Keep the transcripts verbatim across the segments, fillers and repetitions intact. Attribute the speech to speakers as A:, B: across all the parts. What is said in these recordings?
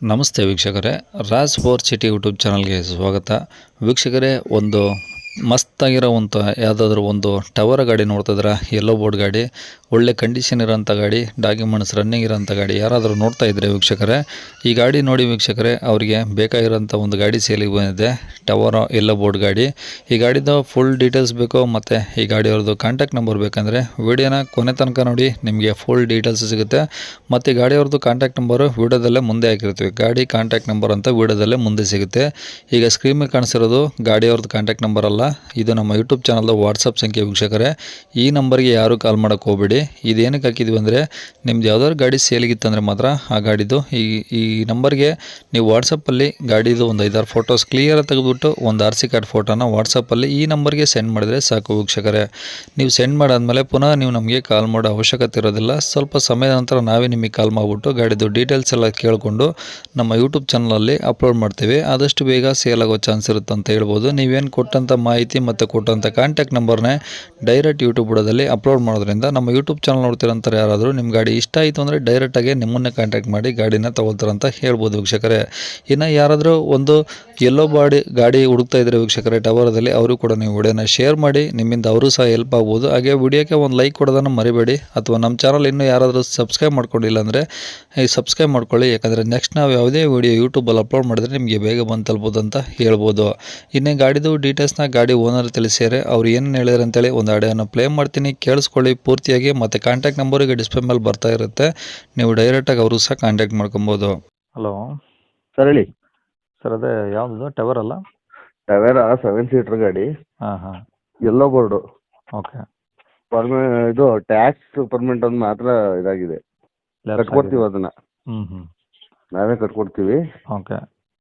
A: ನಮಸ್ತೆ ವೀಕ್ಷಕರೇ, Raj four city YouTube ಚಾನಲ್ಗೆ ಸ್ವಾಗತ. ವೀಕ್ಷಕರೇ, ಒಂದು ಮಸ್ತಾಗಿರೋ ಒಂದು ಯಾವುದಾದ್ರೂ ಒಂದು ಟವರ್ ಗಾಡಿ ನೋಡ್ತಿದ್ರೆ, ಯೆಲ್ಲೋ ಬೋರ್ಡ್ ಗಾಡಿ, ಒಳ್ಳೆ ಕಂಡೀಷನ್ ಇರೋಂಥ ಗಾಡಿ, ಡಾಕ್ಯುಮೆಂಟ್ಸ್ ರನ್ನಿಂಗ್ ಇರೋಂಥ ಗಾಡಿ ಯಾರಾದರೂ ನೋಡ್ತಾ ಇದ್ದರೆ ವೀಕ್ಷಕರೇ, ಈ ಗಾಡಿ ನೋಡಿ ವೀಕ್ಷಕರೇ, ಅವರಿಗೆ ಬೇಕಾಗಿರೋಂಥ ಒಂದು ಗಾಡಿ ಸೇಲಿಗೆ ಬಂದಿದೆ. ಟವರ್ ಯೆಲ್ಲೋ ಬೋರ್ಡ್ ಗಾಡಿ. ಈ ಗಾಡಿದು ಫುಲ್ ಡೀಟೇಲ್ಸ್ ಬೇಕು ಮತ್ತು ಈ ಗಾಡಿಯವ್ರದ್ದು ಕಾಂಟ್ಯಾಕ್ಟ್ ನಂಬರ್ ಬೇಕಂದರೆ ವಿಡಿಯೋನ ಕೊನೆ ತನಕ ನೋಡಿ, ನಿಮಗೆ ಫುಲ್ ಡೀಟೇಲ್ಸ್ ಸಿಗುತ್ತೆ. ಮತ್ತು ಈ ಗಾಡಿಯವ್ರದ್ದು ಕಾಂಟ್ಯಾಕ್ಟ್ ನಂಬರು ವಿಡಿಯೋದಲ್ಲೇ ಮುಂದೆ ಹಾಕಿರ್ತೀವಿ. ಗಾಡಿ ಕಾಂಟ್ಯಾಕ್ಟ್ ನಂಬರ್ ಅಂತ ವಿಡಿಯೋದಲ್ಲೇ ಮುಂದೆ ಸಿಗುತ್ತೆ. ಈಗ ಸ್ಕ್ರೀನ್ ಮೇಲೆ ಕಾಣಿಸಿರೋದು ಗಾಡಿಯವ್ರದ್ದು ಕಾಂಟ್ಯಾಕ್ಟ್ ನಂಬರ್ ಅಲ್ಲ, ಇದು ನಮ್ಮ ಯೂಟ್ಯೂಬ್ ಚಾನಲ್ದು ವಾಟ್ಸಪ್ ಸಂಖ್ಯೆ ವೀಕ್ಷಕರೇ. ಈ ನಂಬರ್ಗೆ ಯಾರೂ ಕಾಲ್ ಮಾಡೋಕ್ಕೆ ಹೋಗಬೇಡಿ. ಇದೇನಕ್ಕೆ ಹಾಕಿದ್ವಿ ಅಂದರೆ, ನಿಮ್ದು ಯಾವ್ದಾದ್ರು ಗಾಡಿ ಸೇಲಿಗಿತ್ತಂದರೆ ಮಾತ್ರ ಆ ಗಾಡಿದು ಈ ಈ ನಂಬರ್ಗೆ ನೀವು ವಾಟ್ಸಪ್ಪಲ್ಲಿ ಗಾಡಿದು ಒಂದು ಐದಾರು ಫೋಟೋಸ್ ಕ್ಲಿಯರ್ ತೆಗೆದುಬಿಟ್ಟು ಒಂದು ಆರ್ ಸಿ ಕಾರ್ಡ್ ಫೋಟೋನ ವಾಟ್ಸಪ್ಪಲ್ಲಿ ಈ ನಂಬರ್ಗೆ ಸೆಂಡ್ ಮಾಡಿದರೆ ಸಾಕು ವೀಕ್ಷಕರೇ. ನೀವು ಸೆಂಡ್ ಮಾಡಾದ್ಮೇಲೆ ಪುನಃ ನೀವು ನಮಗೆ ಕಾಲ್ ಮಾಡೋ ಅವಶ್ಯಕತೆ ಇರೋದಿಲ್ಲ. ಸ್ವಲ್ಪ ಸಮಯದ ನಂತರ ನಾವೇ ನಿಮಗೆ ಕಾಲ್ ಮಾಡಿಬಿಟ್ಟು ಗಾಡಿದು ಡೀಟೇಲ್ಸ್ ಎಲ್ಲ ಕೇಳಿಕೊಂಡು ನಮ್ಮ ಯೂಟ್ಯೂಬ್ ಚಾನಲಲ್ಲಿ ಅಪ್ಲೋಡ್ ಮಾಡ್ತೀವಿ. ಆದಷ್ಟು ಬೇಗ ಸೇಲ್ ಆಗೋ ಚಾನ್ಸ್ ಇರುತ್ತೆ ಅಂತ ಹೇಳ್ಬೋದು. ನೀವೇನು ಕೊಟ್ಟಂಥ ಮಾಹಿತಿ ಮತ್ತು ಕೊಟ್ಟಂಥ ಕಾಂಟ್ಯಾಕ್ಟ್ ನಂಬರ್ನೇ ಡೈರೆಕ್ಟ್ ಯೂಟ್ಯೂಬ್ ಬುಡದಲ್ಲಿ ಅಪ್ಲೋಡ್ ಮಾಡೋದ್ರಿಂದ ನಮ್ಮ ಯೂಟ್ಯೂಬ್ ಚಾನಲ್ ನೋಡ್ತಿರೋಂಥವ್ರು ಯಾರಾದರೂ ನಿಮ್ಮ ಗಾಡಿ ಇಷ್ಟ ಆಯಿತು ಅಂದರೆ ಡೈರೆಕ್ಟಾಗಿ ನಿಮ್ಮನ್ನೇ ಕಾಂಟ್ಯಾಕ್ಟ್ ಮಾಡಿ ಗಾಡಿನ ತೊಗೊಳ್ತಾರಂತ ಹೇಳ್ಬೋದು ವೀಕ್ಷಕರೇ. ಇನ್ನು ಯಾರಾದರೂ ಒಂದು ಯೆಲ್ಲೋ ಬಾಡಿ ಗಾಡಿ ಹುಡುಕ್ತಾ ಇದ್ದರೆ ವೀಕ್ಷಕರೇ ಟವರದಲ್ಲಿ, ಅವರು ಕೂಡ ನೀವು ವಿಡಿಯೋನ ಶೇರ್ ಮಾಡಿ, ನಿಮ್ಮಿಂದ ಅವರು ಸಹ ಹೆಲ್ಪ್ ಆಗ್ಬೋದು. ಹಾಗೆ ವಿಡಿಯೋಕ್ಕೆ ಒಂದು ಲೈಕ್ ಕೊಡೋದನ್ನು ಮರಿಬೇಡಿ. ಅಥವಾ ನಮ್ಮ ಚಾನಲ್ ಇನ್ನೂ ಯಾರಾದರೂ ಸಬ್ಸ್ಕ್ರೈಬ್ ಮಾಡ್ಕೊಂಡಿಲ್ಲ ಅಂದರೆ ಈ ಸಬ್ಸ್ಕ್ರೈಬ್ ಮಾಡ್ಕೊಳ್ಳಿ. ಯಾಕಂದರೆ ನೆಕ್ಸ್ಟ್ ನಾವು ಯಾವುದೇ ವಿಡಿಯೋ ಯೂಟ್ಯೂಬಲ್ಲಿ ಅಪ್ಲೋಡ್ ಮಾಡಿದ್ರೆ ನಿಮಗೆ ಬೇಗ ಬಂದು ತಲುಪೋದು ಅಂತ ಹೇಳ್ಬೋದು. ಇನ್ನೇ ಗಾಡಿದು ಡೀಟೇಲ್ಸ್ನ ಗಾಡಿ ಓನರ್ ತಿಳಿಸಿದರೆ ಅವ್ರು ಏನು ಹೇಳಿದ್ರು ಅಂತೇಳಿ ಒಂದು ಆಡಿಯೋನ ಪ್ಲೇ ಮಾಡ್ತೀನಿ, ಕೇಳಿಸ್ಕೊಳ್ಳಿ ಪೂರ್ತಿಯಾಗಿ. ಮತ್ತು ಕಾಂಟ್ಯಾಕ್ಟ್ ನಂಬರಿಗೆ ಡಿಸ್ಪ್ಲೇ ಮೇಲೆ ಬರ್ತಾ ಇರುತ್ತೆ, ನೀವು ಡೈರೆಕ್ಟಾಗಿ ಅವರು ಸಹ ಕಾಂಟ್ಯಾಕ್ಟ್ ಮಾಡ್ಕೊಬೋದು. ಹಲೋ
B: ಸರ್ ಹೇಳಿ.
A: ಸರ್, ಅದೇ ಯಾವುದು ಟವರ್ ಅಲ್ಲ?
B: ಟವೇರಾ ಸೆವೆನ್ ಸೀಟರ್ ಗಾಡಿ,
A: ಹಾಂ ಹಾಂ
B: ಯೆಲ್ಲೋ ಬೋರ್ಡು.
A: ಓಕೆ.
B: ಪರ್ಮೆ ಇದು ಟ್ಯಾಕ್ಸ್ ಪರ್ಮೆಂಟ್ ಒಂದು ಮಾತ್ರ ಇದಾಗಿದೆ, ಕಟ್ಕೊಡ್ತೀವಿ ಅದನ್ನ,
A: ಹ್ಞೂ ಹ್ಞೂ
B: ನಾವೇ ಕಟ್ಕೊಡ್ತೀವಿ.
A: ಓಕೆ.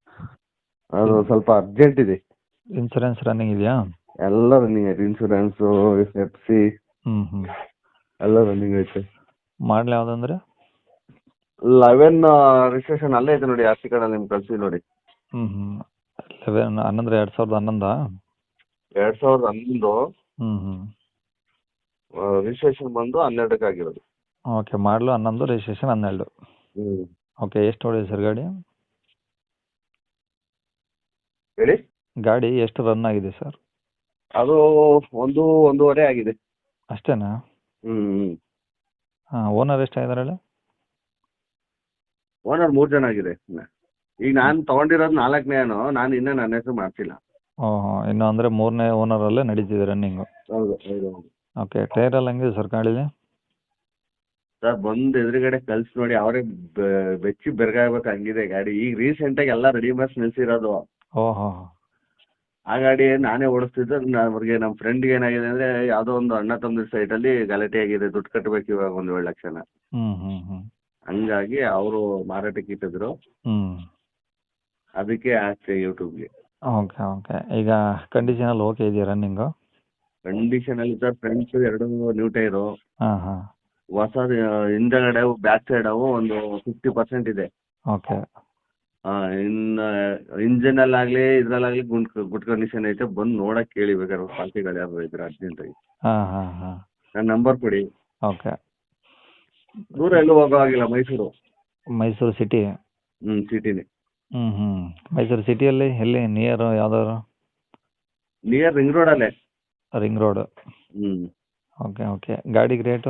B: ಅದು ಸ್ವಲ್ಪ ಅರ್ಜೆಂಟ್ ಇದೆ.
A: ಇನ್ಸೂರೆನ್ಸ್ ರನ್ನಿಂಗ್ ಇದೆಯಾ?
B: ಎಲ್ಲ ರನ್ನಿಂಗ್ ಐತೆ, ಇನ್ಶೂರೆನ್ಸು, ಎಫ್ ಸಿ
A: ಹ್ಞೂ ಹ್ಞೂ
B: ಎಲ್ಲ ರನ್ನಿಂಗ್ ಐತೆ.
A: ಮಾಡಲಿ ಯಾವುದಂದ್ರೆ
B: ಲೆವೆನ್ ರಿಜಿಸ್ಟ್ರೇಷನ್ ಅಲ್ಲೇ ಐತೆ ನೋಡಿ, ಆರ್ ಸಿ ಕಾರ್ಡಲ್ಲಿ ನಿಮ್ಗೆ ಕಳಿಸಿ ನೋಡಿ.
A: ಹ್ಞೂ ಹ್ಞೂ ಲೆವೆನ್ ಹನ್ನೊಂದ್ರೆ ಎರಡು ಸಾವಿರದ ಹನ್ನೊಂದಾ?
B: ಎರಡು ಸಾವಿರದ ಹನ್ನೊಂದು
A: ಹ್ಞೂ ಹ್ಞೂ
B: ರಿಜಿಸ್ಟ್ರೇಷನ್ ಬಂದು ಹನ್ನೆರಡಕ್ಕೆ ಆಗಿರೋದು.
A: ಓಕೆ. ಮಾಡಲು ಹನ್ನೊಂದು, ರಿಜಿಸ್ಟ್ರೇಷನ್ ಹನ್ನೆರಡು.
B: ಹ್ಞೂ
A: ಓಕೆ. ಎಷ್ಟು ಹೊಡಿದೆ ಸರ್ ಗಾಡಿ?
B: ಹೇಳಿ.
A: ಗಾಡಿ ಎಷ್ಟು ರನ್ ಆಗಿದೆ ಸರ್?
B: ಅದು ಒಂದು ಒಂದೂವರೆ ಆಗಿದೆ
A: ಅಷ್ಟೇನಾ?
B: ಹ್ಞೂ ಹ್ಞೂ
A: ಹಾಂ. ಓನರ್ ಎಷ್ಟಾಗಿದ್ದಾರೆ ಹೇಳಿ?
B: ಓನರ್ ಮೂರು ಜನ ಆಗಿದೆ. ಈಗ ನಾನು ತೊಗೊಂಡಿರೋದು ನಾಲ್ಕನೇನು, ನಾನು ಇನ್ನೂ ನನ್ನ ಹೆಸರು ಮಾಡ್ತಿಲ್ಲ.
A: ಓಹೋ, ಇನ್ನು ಅಂದರೆ ಮೂರನೇ ಓನರಲ್ಲೇ ನಡೀತಿದೆ ರನ್ನಿಂಗು.
B: ಹೌದು ಹೌದು ಹೌದು
A: ಓಕೆ. ಟೈರ್ ಎಲ್ಲ ಹೆಂಗಿದೆ ಸರ್ ಗಾಡೀಲಿ?
B: ಸರ್ ಬಂದು ಎದುರುಗಡೆ ಕಳ್ಸಿ ನೋಡಿ, ಅವರೇ ಬೆಚ್ಚಿ ಬೆರಗಾಗ್ಬೇಕು ಹಂಗಿದೆ ಗಾಡಿ. ಈಗ ರೀಸೆಂಟಾಗಿ ಎಲ್ಲ ರೆಡಿ ಮಾಡಿ ನಿಲ್ಸಿರೋದು.
A: ಓಹೋ.
B: ಆ ಗಾಡಿ ನಾನೇ ಓಡಿಸ್ತಿದ್ದು. ಅವ್ರಿಗೆ ನಮ್ಮ ಫ್ರೆಂಡ್ಗೆ ಏನಾಗಿದೆ ಅಂದರೆ, ಯಾವುದೋ ಒಂದು ಅಣ್ಣ ತಮ್ಮದ ಸೈಟಲ್ಲಿ ಗಲಾಟೆ ಆಗಿದೆ, ದುಡ್ಡು ಕಟ್ಟಬೇಕು ಇವಾಗ ಒಂದು ಏಳು ಲಕ್ಷನ.
A: ಹ್ಞೂ ಹ್ಞೂ ಹ್ಞೂ
B: ಹಂಗಾಗಿ ಅವರು ಮಾರಾಟಕ್ಕೆ ಇಟ್ಟಿದ್ರು,
A: ಹ್ಞೂ
B: ಅದಕ್ಕೆ ಹಾಕ್ತೆ ಯೂಟ್ಯೂಬ್ಗೆ.
A: Okay okay. ಈಗ ಕಂಡೀಷನಲ್ಲಿ ಓಕೆ ಇದೆಯಾ ರನ್ನಿಂಗು?
B: ಕಂಡೀಷನಲ್ಲಿ ಸರ್, ಫ್ರಂಟ್ಸು ಎರಡು ನ್ಯೂ ಟೈರು,
A: ಹಾಂ ಹಾಂ.
B: ಹೊಸ ಹಿಂದಗಡೆ ಬ್ಯಾಕ್ ಸೈಡ್ ಅವು ಒಂದು ಫಿಫ್ಟಿ ಪರ್ಸೆಂಟ್ ಇದೆ.
A: ಓಕೆ.
B: ಹಾಂ, ಇನ್ನು ಇಂಜನಲ್ಲಾಗಲಿ ಇದರಲ್ಲಾಗಲಿ ಗುಡ್ ಗುಡ್ ಕಂಡೀಷನ್ ಐತೆ. ಬಂದು ನೋಡಕ್ಕೆ ಕೇಳಿ ಬೇಕಾದ್ರೆ ಪಾರ್ಟಿಗಳು ಯಾರು ಇದ್ರೆ ಅರ್ಜೆಂಟಾಗಿ.
A: ಹಾಂ ಹಾಂ ಹಾಂ.
B: ನನ್ನ ನಂಬರ್ ಕೊಡಿ.
A: ಓಕೆ.
B: ದೂರ ಎಲ್ಲೂ ಹೋಗೋ ಆಗಿಲ್ಲ, ಮೈಸೂರು.
A: ಮೈಸೂರು ಸಿಟಿ?
B: ಹ್ಞೂ ಸಿಟಿನೇ.
A: ಹ್ಞೂ ಹ್ಞೂ ಮೈಸೂರು ಸಿಟಿಯಲ್ಲಿ ಎಲ್ಲಿ ನಿಯರು ಯಾವ್ದಾದ್ರು?
B: ನಿಯರ್ ರಿಂಗ್ ರೋಡಲ್ಲೇ.
A: Ring road.
B: ಹ್ಞೂ
A: ಓಕೆ ಓಕೆ. ಗಾಡಿಗೆ ರೇಟು?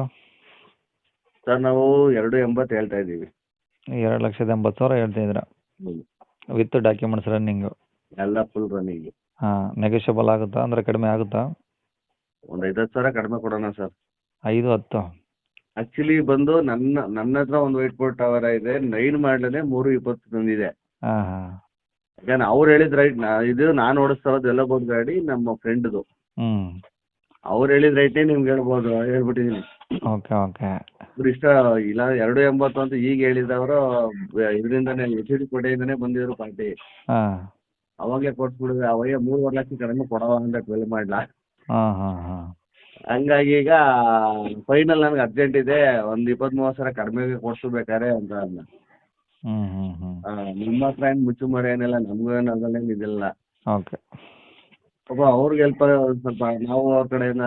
B: ಸರ್ ನಾವು ಎರಡು ಎಂಬತ್ತು ಹೇಳ್ತಾ ಇದ್ದೀವಿ.
A: ಎರಡು ಲಕ್ಷದ ಎಂಬತ್ತು ಸಾವಿರ ಹೇಳ್ತಿದ್ದೀರಾ?
B: ಹ್ಞೂ
A: ವಿತ್ ಡಾಕ್ಯುಮೆಂಟ್ಸ್ ರನ್ನಿಂಗು?
B: ಎಲ್ಲ ಫುಲ್ ರನ್ನಿಂಗ್.
A: ಹಾಂ. ನೆಗೋಷಿಯಬಲ್ ಆಗುತ್ತಾ, ಅಂದರೆ ಕಡಿಮೆ ಆಗುತ್ತಾ?
B: ಒಂದು ಐವತ್ತು ಸಾವಿರ ಕಡಿಮೆ ಕೊಡೋಣ ಸರ್.
A: ಐದು ಹತ್ತು?
B: ಆ್ಯಕ್ಚುಲಿ ಬಂದು ನನ್ನ ನನ್ನ ಹತ್ರ ಒಂದು ವೈಟ್ ಬೋರ್ಡ್ ಟವರ್ ಇದೆ, ನೈನ್ ಮಾಡಲೇ ಮೂರು ಇಪ್ಪತ್ತು ತಂದಿದೆ.
A: ಹಾಂ ಹಾಂ.
B: ಯಾಕಂದ್ರೆ ಅವ್ರು ಹೇಳಿದ ರೈಟ್, ಇದು ನಾನು ಓಡಿಸ್ತಾ ಇರೋದು ಎಲ್ಲ ಬೋರ್ಡ್ ಗಾಡಿ ನಮ್ಮ ಫ್ರೆಂಡ್ದು.
A: ಹ್ಞೂ.
B: ಅವ್ರು ಹೇಳಿದ ರೈಟೇ ನಿಮ್ಗೆ ಹೇಳ್ಬೋದು, ಹೇಳ್ಬಿಟ್ಟಿದ್ದೀನಿ.
A: Okay okay.
B: ಇವ್ರು ಇಷ್ಟ ಇಲ್ಲ ಎರಡು ಎಂಬತ್ತು ಅಂತ ಈಗ ಹೇಳಿದವರು, ಇದರಿಂದನೇ ಎಚ್ ಡಿ ಕೋಟೆಯಿಂದನೇ ಬಂದಿದ್ರು ಪಾರ್ಟಿ.
A: ಹಾಂ.
B: ಅವಾಗಲೇ ಕೊಟ್ಬಿಡಿದ್ರೆ, ಅವಾಗೆ ಮೂರುವರೆ ಲಕ್ಷ ಕಡಿಮೆ ಕೊಡವ ಅಂತ ಟ್ವೆಲ್ ಮಾಡಲ.
A: ಹಾಂ ಹಾಂ ಹಾಂ.
B: ಹಂಗಾಗಿ ಈಗ ಫೈನಲ್ ನನಗೆ ಅರ್ಜೆಂಟ್ ಇದೆ, ಒಂದು ಇಪ್ಪತ್ತ್ ಮೂವತ್ತು ಸಾವಿರ ಕಡಿಮೆಗೆ ಕೊಡಿಸ್ಬೇಕಾರೆ ಅಂತ ಅಂದ.
A: ಹ್ಞೂ ಹ್ಞೂ ಹ್ಞೂ
B: ನಿಮ್ಮ ಹತ್ರ ಏನು ಮುಚ್ಚು ಮರೆ ಏನಿಲ್ಲ, ನಮಗೂ ಏನು ಅದನ್ನೇನು ಇದಿಲ್ಲ.
A: ಓಕೆ.
B: ಪಾಪ ಅವ್ರಿಗೆ ಹೆಲ್ಪ್ ಸ್ವಲ್ಪ, ನಾವು ಅವ್ರ ಕಡೆಯಿಂದ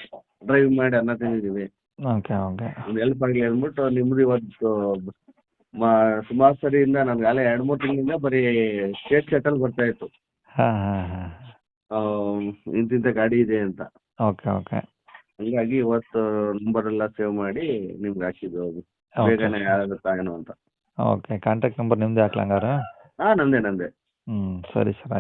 B: ಡ್ರೈವ್ ಮಾಡಿ ಅನ್ನ ತಿಂದಿದ್ದೀವಿ.
A: Okay okay.
B: ಒಂದು ಹೆಲ್ಪ್ ಆಗಲಿ ಅಂದ್ಬಿಟ್ಟು ನಿಮ್ಮದು ಇವತ್ತು ಮ- ಸುಮಾರು ಸರಿಯಿಂದ ನನ್ಗೆ ಅಲ್ಲೇ ಎರಡು ಮೂರು ತಿಂಗಳಿಂದ ಬರೀ ಸ್ಟೇಟ್ ಸೆಟಲ್ ಬರ್ತಾ ಇತ್ತು.
A: ಹಾಂ ಹಾಂ ಹಾಂ
B: ಆ, ಇಂತಿಂಥ ಗಾಡಿ ಇದೆ ಅಂತ.
A: ಓಕೆ ಓಕೆ
B: ಹಂಗಾಗಿ ಇವತ್ತು ನಂಬರ್ ಎಲ್ಲ ಸೇವ್ ಮಾಡಿ ನಿಮ್ಗೆ ಹಾಕಿದ್ದು ಅದು
A: ಓಕೆ
B: ಬೇಗನೆ ಆಗುತ್ತಾ ಏನೋ ಅಂತ.
A: ಓಕೆ ಕಾಂಟ್ಯಾಕ್ಟ್ ನಂಬರ್ ನಿಮ್ಮದೇ ಹಾಕ್ಲಾ ಹಂಗಾರೆ?
B: ಹಾಂ ನಂದೇ ನಂದೇ.
A: ಹ್ಞೂ ಸರಿ ಸರ್.